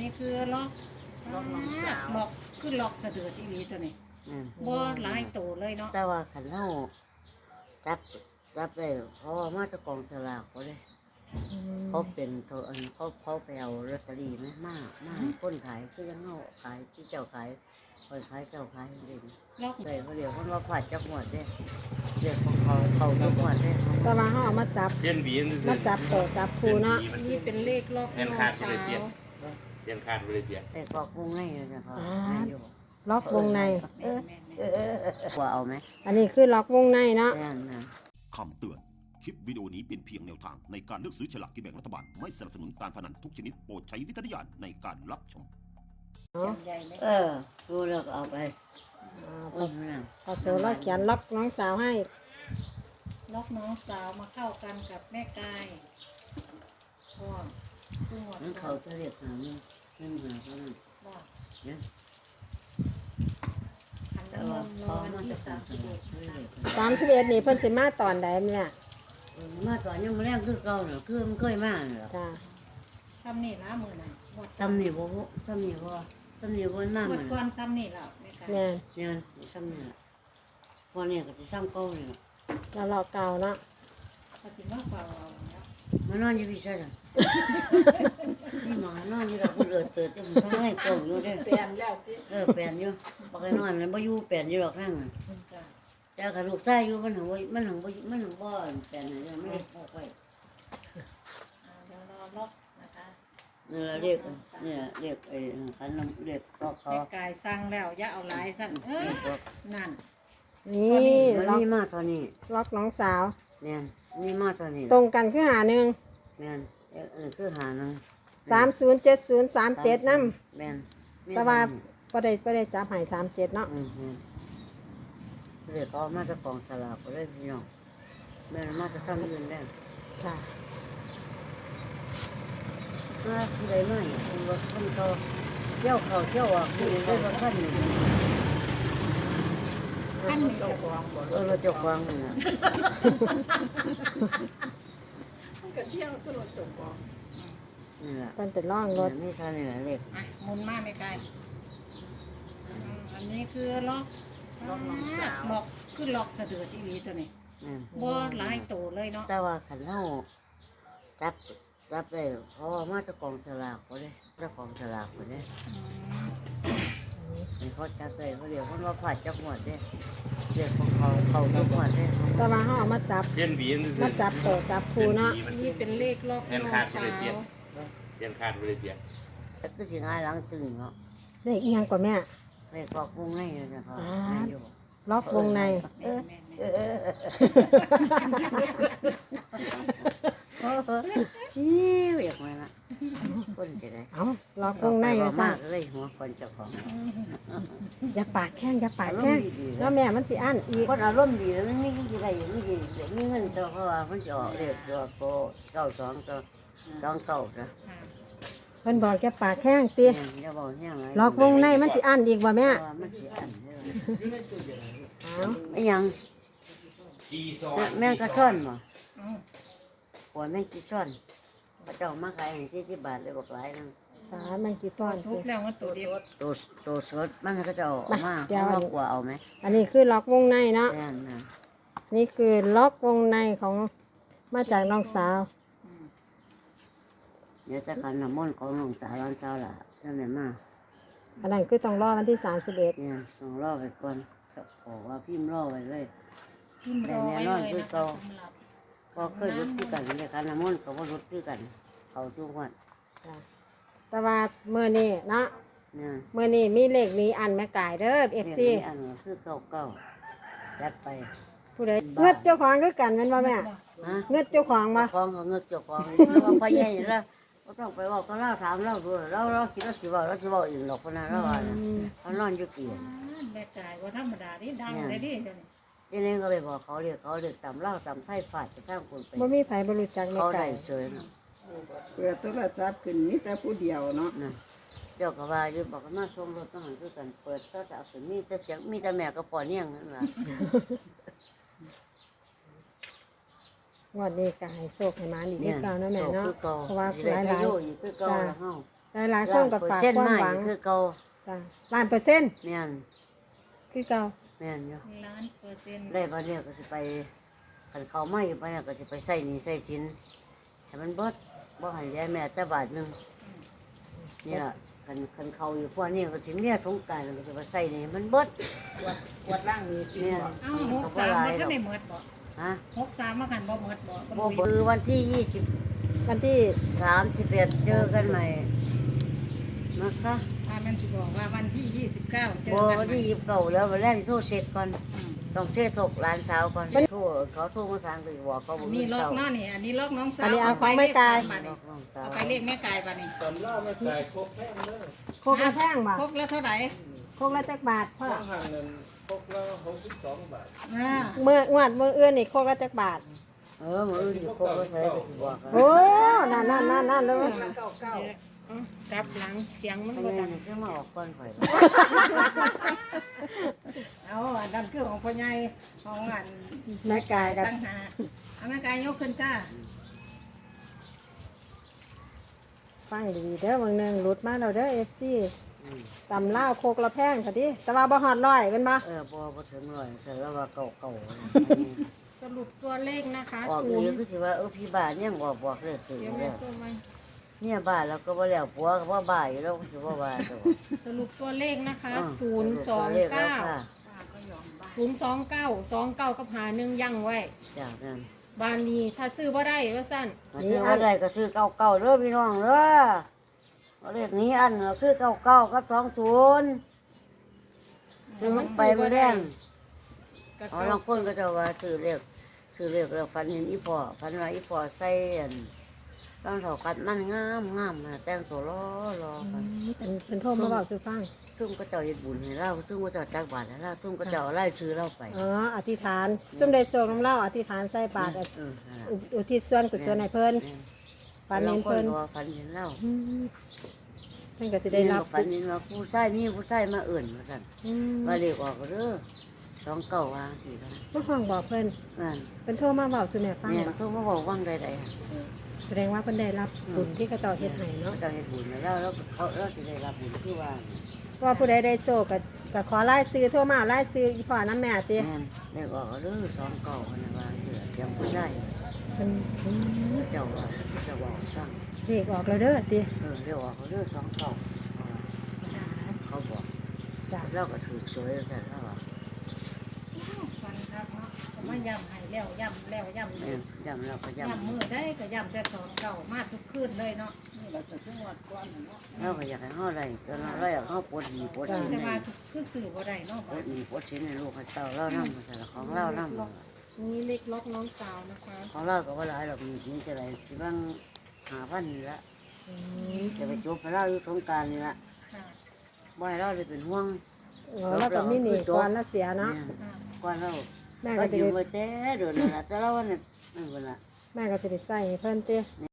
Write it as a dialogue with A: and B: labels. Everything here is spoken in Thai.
A: นี้คือล็อก
B: น้องสาว
A: ล็อกคือล็อกสะดือที่นี้ตัวนี้
C: อืม
A: บ่หลายโตเลยเนาะ
C: แต่ว่าขันเฮาจับได้เพราะว่ามาจากกองสลากเขาเลยเขาเป็นเขาไปเอาลอตเตอรี่ไหมมากคนขายคือยังเฮาขายที่เจ้าขายคนขายเจ้าขายเอง
A: ล็อก
C: เลยเขาเรียกว่าผัดจักหมวดเด้เรียกของเขาจักหมวดเด้
D: แต่ว่าเขาเอามาจับ
B: เปลี่ยนหวี
D: มาจับโตจับคูเนาะ
A: นี่เป็นเลขล็อก
B: เปลี่ยน
A: น้อง
B: ขาดไป
A: สา
B: เลยเปลี่ยน
A: ว
B: เปลี่ยนขาดไปเลยเปลี่ยน
C: แต่ก็กุ้งในเลยนะเขาไม่อยู่
D: ล็อกวงใน
A: แม่น
C: กลัวเอาไหม
D: อันนี้คือล็อกวงในเนาะ
C: แน่นนะ
E: คำเตือน คลิปวิดีโอนี้เป็นเพียงแนวทางในการเลือกซื้อฉลากกินแบ่งรัฐบาล ไม่สนับสนุนการพนันทุกชนิดโปรดใช้วิจารณญาณในการรับชม
A: จำใหญ่เลย
C: รู้แล้วก็เอาไป
D: พอโซเราเขียนล็อกน้องสาวให้
A: ล็อกน้องสาวมาเข้ากันกับแม่กายก็คือหมด
C: นั่นเขาจะเรียกหาเงินหาเขานั่น
A: ว่า
C: เนี่ย
A: ขัน
C: แต่
A: น้ำม
C: ว่าน
A: ต์ร
C: เขา
A: อวัน
C: มา
A: ที่
C: จะสั่ง
A: 31
C: เขาเรียก
D: 31นี่เพิ่นสิมาตอนใดเนี่ย
C: มาตอนยังมาแรกคือเก่าเนาะคือมันเคยมาเนาะ
D: จ้า
A: ทำนี่ละมือน่ะหมด
C: จำนี่บ่จำนี่บ่จำนี่บ่น้ำ
A: หม
C: มั
A: ด
C: น
A: ก่อนซ้ำนี่แล้วแม่กาย
D: แม่น
C: เนี่ยจำนี่พอเนี่ยก็จะซ้ำเก่าเลย
D: เราล็อกเก่าเนาะ
A: เขาสิมาเฝ้าเอาแล้ว
C: มานอนอยู่พี่ใช่จ้ะนี่หมานอนอยู่เราคนเอิดเติร์ดจะมันทั้งให้โป่งอยู่เด้
A: เปลี่ยนแล้วติ
C: แปลนอยู่บอกให้นอนแล้วบ่อยู่แปลนอยู่หรอกนั่ง
A: จ้ะ
C: แต่กับลูกชายอยู่มันหังบ่แปลนอะไรไม่ได้พกไว้
A: เดี๋ยวรอล็อกนะคะ
C: เนี่ยเรียกเนี่ยเรียกไอ้ขันน้ำเรียกก็เขา
A: แม่กายสั่งแล้วอย่าเอาหลายสั่นนั่น
D: นี่
C: มัน
D: ล็อก
C: นี่มาตอนนี้
D: ล็อกน้องสาว
C: เนี่ยนี่มาตอนนี้
D: ตรงกันคือหาหนึ่ง
C: แม่นคือหานึง
D: 307037นำ
C: แม่น
D: แต่ว่าบ่ได้จับให้37เนาะ
C: เรียกเขามาจากกองสลากก็เลยพี่น้องแม่นมาจากทำอื่นได้
D: ค่ะ
C: มาที่ใดมาอย่างคนรถคนเขาเที่ยวเขาเที่ยวออกที่ได้รถขั้นหนึ่ง
A: ขั้นนี้เจ้าของ
C: รถเจ้าของนี่นะ
A: ก็เที่ยวตลอดจบบอก
C: นี่แหละ
D: เพิ่นเป็นร่องรถ
C: ไม่ใช่นี่แหละเลข
A: หมุนมาไม่ไกลอันนี้คือล็อกล็อกคือล็อกสะดือที่นี้ตัวนี้
C: นั่น
A: บ่หลายโตเลยเนาะ
C: แต่ว่าขันเฮาจับได้เพราะว่ามาจากกองสลากเขาเลยจากกองสลากเขาเลยเขาจับได้เขาเรียกว่าผัดจักหมวดเด้เรียกของเขาจักหมวดเด้
D: แต่ว่าเขาเอามาจับ
B: เปลี่ยนหวี
D: มาจับโตจับคูเนาะ
A: นี่เป็นเลขล็อก
B: เปลี่ยน
A: น้อง
B: ขาดไป
A: สา
B: เลยเปลี่ยน
A: ว
B: เปลี่ยนขาดไปเลยเปลี่ยน
C: แต่ก็สิง่ายหลังตึงเนาะ
D: เลขอิหยังกว่าแม่
C: เลขก็กุ้งในเลยนะเขาไม่อยู่
D: ล็อกวงใน
A: แม่แม่แม่
C: เรียกมาละคนจะได้
D: เอาล็อกวงใน
C: มา
D: ว่าซั่
C: มาน กเลยหัวคนเจ้าของ
D: อย่าปากแข้งอย่าปากแข้งแล้วแม่มันสิอั้นอีก
C: คนอารมณ์ดีแล้วมันมีอะไรอยู่ไม่ดีเดี๋ยวมีเงินตัวเพราะว่ามันจะออกเรียกตัวโก92ตัว29นะ
D: เพิ่นบอกอย่าปากแข้งติ
C: จะบอกยังไง
D: ล็อกวงในมันสิอั้นอีกบ่แม่
C: มันสิอัน
D: เอา
C: ไม่ยังแม่งกระช่อนบ่หัวแม่งกระช่อนพระเจ้ามาขายให้40 บาทเลยบอกหลายนึง
D: สามันกี่ซ่อน
A: ซุปแล้วว่าตัวเดียว
C: ตัวสดมันก็จะออกมาเอากว่าเอาไหม
D: อันนี้คือล็อกวงในเนาะ
C: แน่นนะ
D: นี่คือล็อกวงในของมาจากน้องสาว
C: เดี๋ยวจะกันน้ำมนต์ของหลวงตาร้านเช้าล่ะนั่นแหละมา
D: อันนั้นคือต้องรอวันที่31
C: เนี่ยต้องรอไปก่อนบอกว่าพิมพ์รอไว้เลย
A: พิมพ์รอไว้เลยนะคะสำหรับ
C: ก็เคยรุดด้วยกันเดียวกันน้ำมนต์ก็ว่ารุดด้วยกัน เขาทุกวัน
D: แต่ว่ามื้อนี้เนาะ
C: เนี่ย
D: มื้อนี้มีเลขนี้อันแม่กายเด้อ
C: เรียก
D: FC
C: นี้อันคือเก่าจัดไป
D: ผู้ใดเงิดเจ้าของคือกันแม่นบ่แม่
C: ฮะ
D: เงิดเจ้าของบ่
C: ของเขาเงือกเจ้าของแล้วก็พ่อใหญ่แล้วก็ต้องไปบอกก็เล่าถามเล่าดูเราคิดว่าสิว่าอีกหรอกคนนั้นเราว่าเขานอนอยู่กี่
A: แม่จ่ายว่าธรรมดานี่ดังเลยดิเดี๋ยวนี้
C: ทีนี้ก็ไปบอกเขาเรียกตำเล่าตำไส้ฝาดจะทั้งคนไป
D: บ่มีไผบ่รู้จักแม่
C: เขา
D: ไก่
C: ได้เสยนะ
F: เปิดโทรศัพท์ขึ้นมีแต่ผู้เดียวเนาะ
C: นะเจ้าก็ว่าอยู่บอกว่ามาส่งรถต้องหันคือกันเปิดก็จะเอาขึ้นมีแต่เสียงมีแต่แม่ก็ปอเนี่ยงนั่นแหละ
D: งวดนี้ก็ให้โชคให้หมาอีกคือเก่าเนาะแม่เนาะ
C: คือเก่า
D: เพราะว่า
C: สิ
D: ห
C: ได้
D: ลาย
C: ทะโยอยู่คือเก่า
D: จ้า
C: แล้วเฮา
D: หลายๆคนก็ฝาก
C: เส้น
D: ความ
C: ไม้
D: หวัง
C: คือเก่า
D: จ้ะ1,000%
C: แม่น
D: คือเก่า
C: แม่นอยู่
A: 1,000,000
C: ได้บัดเนี้ยก็สิไปคันเขาไม่ไปเนี่ยก็สิไปใส่หนี้ใส่สินให้มันเบิดบ่ให้ยายแม่แต่บาทหนึงนี่ล่ะคันเขาอยู่พวกนี้ก็สิเมียสงกรานต์ก็สิไปใส่หนี้มันเบิด
F: กวดล่างมีสิ
C: แม่น
A: เอ้า63มันก็ได้หมดบ่
C: ฮะ
A: 63มาคันบ่หมดบ่
C: บ่คือวันที่
D: วันที่
C: 31เจอกันใหม่นะคะ
A: มันสิบอกว่าวันที่29เจอ
C: บ่
A: กัน
C: วัน
A: ใหม่
C: ที่29แล้ววันแรกโทรเช็คก่อนต้องเช็คศพหลานสาวก่อนโทรเขาโทรมาสั่งไปบอกเขาบ่
A: อัน
C: มี
A: นี้ล็อก
C: เจ้า
A: เนาะนี่อันนี้ล็อกน้องสาว
D: อันนี้เอาของแม่กาย
C: บอกน้องสาว
A: เอาไปเรียกแม่กายป่ะนี่
B: ตำเล่าไม่ใส่ครบแม่งเลย
D: โคกละแพงบ่
A: ครกแล้วเท่าไหร่
D: โคกละจักบาทพ่อ
B: ต้องห่างเงินครบแล้ว62 บาท
D: งวดมื้ออื่นนี่โคกละจักบาท
C: มื้ออื่นอยู่ครบก็ใส่ก็สิบอกกัน
D: โอ้นั่นเลย
A: จับหลังเสียงมัน
C: ไม่
A: บ่
C: ได้
A: ดัง
C: จะมาออกก่อนข่อย
A: เอาอันนั้นคือของพ่อใหญ่ของอัน
D: แม่กายกับ
A: ตั้งหาเอาแม่กายยกขึ้นจ้า
D: ฟังดีๆเด้อบางหนึงหลุดมาแล้วเด้อ FC
C: อืม
D: ตำลาวโคกละแพงค่ะดิแต่ว่าบ่ฮอด100เป็นบ่
C: บ่ถึงร้อยแต่แล้วว่าเก่าๆ
A: สรุปตัวเลขนะคะ
C: ออกอีกคือสิว่าพี่บ้านยังบอกเลยสิ
A: เดี๋ยว
C: แล้
A: แม่
C: ว
A: ส่งมา
C: เนี่ยบ้านแล้วก็บ่แล้วผัวก็บ่บ่ายแล้วก็สิบ่ว่าตัว
A: สรุปตัวเลขนะคะ
C: เลขแล้วค่ะ
A: 029 กับหาหนึ่งยั่งไว้
C: จากนั้น
A: บานนี้ถ้าซื้อบ่ได้ว่าสั้น
C: มาซื้อว่าได้ก็ซื้อเก่าๆเด้อพี่น้องเด้อเอาเลขนี้อันก็คือเก่าๆกับ20ซื้อมันไปบ่แดง
A: ก็
C: อ๋อ
A: เก้า
C: บางคนก็จะว่าซื้อเลขแล้วฝันเห็นอีพ่อฝันว่าอีพ่อใส่อันต้องถอกัดมันงามๆนะแต่งตัวรอกัน
D: เป็นโทรมาบอกสู่ฟัง
C: ซุ่มก็เจ้าเฮ็ดบุญให้เราซุ่มก็เจ้าจักบาทให้เราซุ่มก็เจ้าไล่ซื้อเราไป
D: อ๋ออธิษฐานซุ่มได้โศกน้ำเล่าอธิษฐานใส่บาตร
C: นั่นล่ะ
D: อุทิศส่วนกุศลให้เพิ่นฝันเห็นเพิ่น
C: ฝันเห็นเรา
D: อืมเพิ่นก็สิได้รับ
C: ฝันเห็นว่าผู้ชายมีผู้ชายมาเอื่นว่าสั่น
D: อืม
C: ว่าเรียกออกเด้อ29วางสิครับ
D: ผู้ห้องบอกเพิ่น
C: นั่น
D: เพิ่นโทรมาบอกสู่แม่ฟัง
C: เนี่ย
D: บ่
C: ทุกมาบอกว่างใดๆ
D: แสดงว่าเพิ่นได้รับบุญที่กระเจ้าเฮ็ดให้เนาะ
C: เจ้าเฮ็ดบุญให้เราแล้วเราสิได้รับบุญคือว่า
D: ว่าผู้ใดได้โศกก็ขอรายชื่อโทรมาเอารายชื่ออีพ่อน้ำแม่ติ
C: แม่นเรียกออกเด้อ29นะว่าเสียงผู้ชาย
D: เพิ่น
C: เจ้าว่าจะบอกสั่ง
D: เลขออกแล้วเด้อติ
C: เรียกออกเด้อ29เขาบอก
D: จ้ะ
C: เราก็ถูกสวยสั่นแล้วว่า
A: ฟันครับเนาะก็มาย่ำให้แล้วย่ำแล้วย่ำ
C: แม่
A: อี
C: น
A: ก
C: ย้ำเราก็ย้
A: ย่ำมือได้ก็ย่ำแต่ของเก่ามาทุกคืนเลยเนาะ
F: นี่เราจะจังหวัดก่อนเนาะ
C: ำเราก็อยากให้เฮาได้ตอนเราอยากเฮาปวดดีปวดชิ้น
A: แต่
C: ให้
A: ว่าคือสื่อบ่ได้เนาะ
C: ปวดดีปวดชิ้นให้ลูกให้เต้าเรานำแต่ละของเรานำ
A: นี่เล็กล็อกน้องสาวนะคะ
C: ของเราก็ว่าหลายดอกมีสิจะได้สิบาง5,000นี่ละจะไปจบให้เราอยู่สงกรานต์นี่ละ
A: ค่ะ
C: บ่ให้เราได้เป็นห่วง
D: อ๋อแล้วก็มีหนี้ก่อนแล้วเสียเนาะ
C: ก่อนเรา
D: แม่
C: เรา
D: ก็สิ
C: อยู่
D: ได้
C: มาแต่เดือนนั่นล่ะแต่เราว่านั่นนั่นพุ่นล่ะ
D: แม่ก็สิได้ใส่ให้เพิ่นติ